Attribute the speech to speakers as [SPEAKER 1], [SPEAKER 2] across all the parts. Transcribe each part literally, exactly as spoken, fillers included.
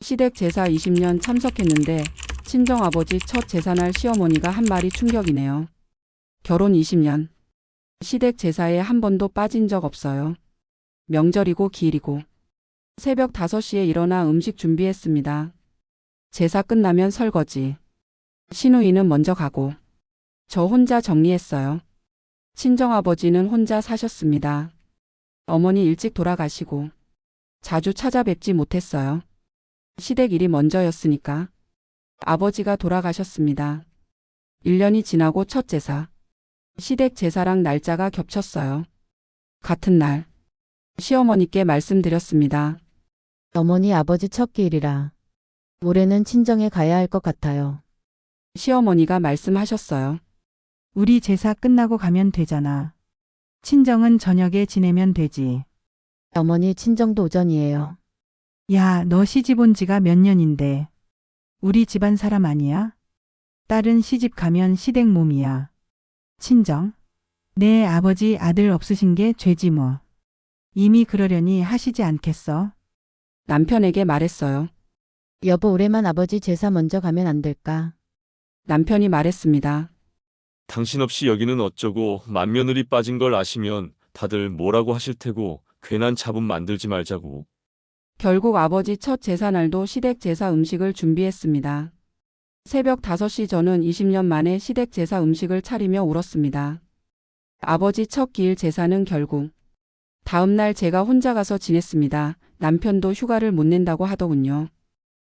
[SPEAKER 1] 시댁 제사 이십 년 참석했는데 친정아버지 첫 제사날 시어머니가 한 말이 충격이네요. 결혼 이십 년. 시댁 제사에 한 번도 빠진 적 없어요. 명절이고 기일이고. 새벽 다섯 시에 일어나 음식 준비했습니다. 제사 끝나면 설거지. 시누이는 먼저 가고. 저 혼자 정리했어요. 친정아버지는 혼자 사셨습니다. 어머니 일찍 돌아가시고 자주 찾아뵙지 못했어요. 시댁 일이 먼저였으니까. 아버지가 돌아가셨습니다. 일 년이 지나고 첫 제사. 시댁 제사랑 날짜가 겹쳤어요. 같은 날. 시어머니께 말씀드렸습니다.
[SPEAKER 2] 어머니 아버지 첫 기일이라 올해는 친정에 가야 할 것 같아요.
[SPEAKER 1] 시어머니가 말씀하셨어요.
[SPEAKER 3] 우리 제사 끝나고 가면 되잖아. 친정은 저녁에 지내면 되지.
[SPEAKER 2] 어머니 친정도 오전이에요.
[SPEAKER 3] 야, 너 시집 온 지가 몇 년인데. 우리 집안 사람 아니야? 딸은 시집 가면 시댁 몸이야. 친정? 내 아버지 아들 없으신 게 죄지 뭐. 이미 그러려니 하시지 않겠어?
[SPEAKER 1] 남편에게 말했어요.
[SPEAKER 2] 여보 올해만 아버지 제사 먼저 가면 안 될까?
[SPEAKER 1] 남편이 말했습니다.
[SPEAKER 4] 당신 없이 여기는 어쩌고 맏며느리 빠진 걸 아시면 다들 뭐라고 하실 테고 괜한 잡음 만들지 말자고.
[SPEAKER 1] 결국 아버지 첫 제사날도 시댁 제사 음식을 준비했습니다. 새벽 다섯 시 저는 이십 년 만에 시댁 제사 음식을 차리며 울었습니다. 아버지 첫 기일 제사는 결국 다음 날 제가 혼자 가서 지냈습니다. 남편도 휴가를 못 낸다고 하더군요.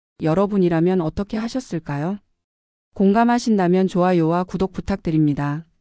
[SPEAKER 1] 여러분이라면 어떻게 하셨을까요? 공감하신다면 좋아요와 구독 부탁드립니다.